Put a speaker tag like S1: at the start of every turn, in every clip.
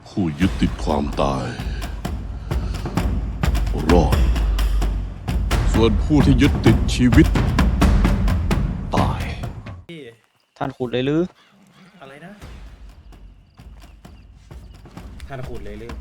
S1: ผู้ยึดติดความตาย รอด ส่วนผู้ที่ยึดติดชีวิต ตาย
S2: พี่
S3: ท่านขุดเลยหรือ
S2: อะไรนะท่านขุดเลยเรื่อง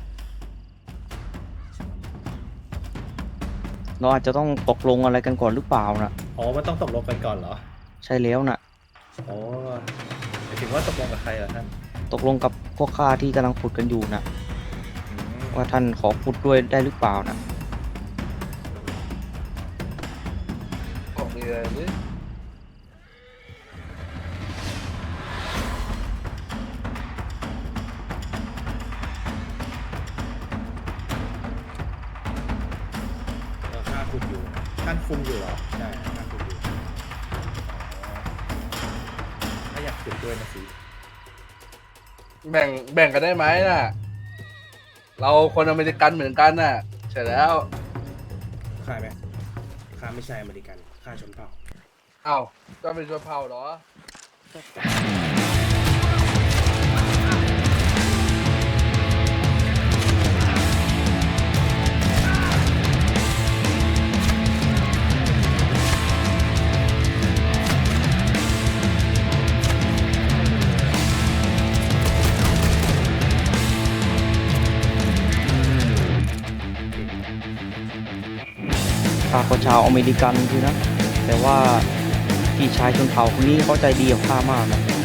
S3: เราอาจจะต้องตกลงอะไรกันก่อนหรือเปล่านะ
S2: อ๋อมันต้องตกลงกันก่อนเหรอ
S3: ใช่แล้วนะ
S2: อ๋อหมายถึงว่าตกลงกับใครเหรอท่าน
S3: ตกลงกับพวกข้าที่กำลังขุดกันอยู่นะ
S2: อืม
S3: ว่าท่านขอขุดด้วยได้หรือเปล่านะ
S4: บอกมีอะไรหรือ
S2: ข้าขุดอยู่ท่านคุมอยู่เหรอใช่ท่านขุดอยู่อ๋อถ้าอยากขุดด้วยนะสิ
S4: แบ่งกันได้ไหมน่ะ เราคนอเมริกันเหมือนกันน่ะใช่แล้ว
S2: ข้าไหมข้าไม่ใช่อเมริกันข้าชนเผ่า
S4: เอ้าก็เป็นชนเผ่าเหรอ
S3: ข้าก็ชาวอเมริกันคือนะ แต่ว่าพี่ชายชนเผ่าคนนี้เขาใจดีกับข้ามากนะ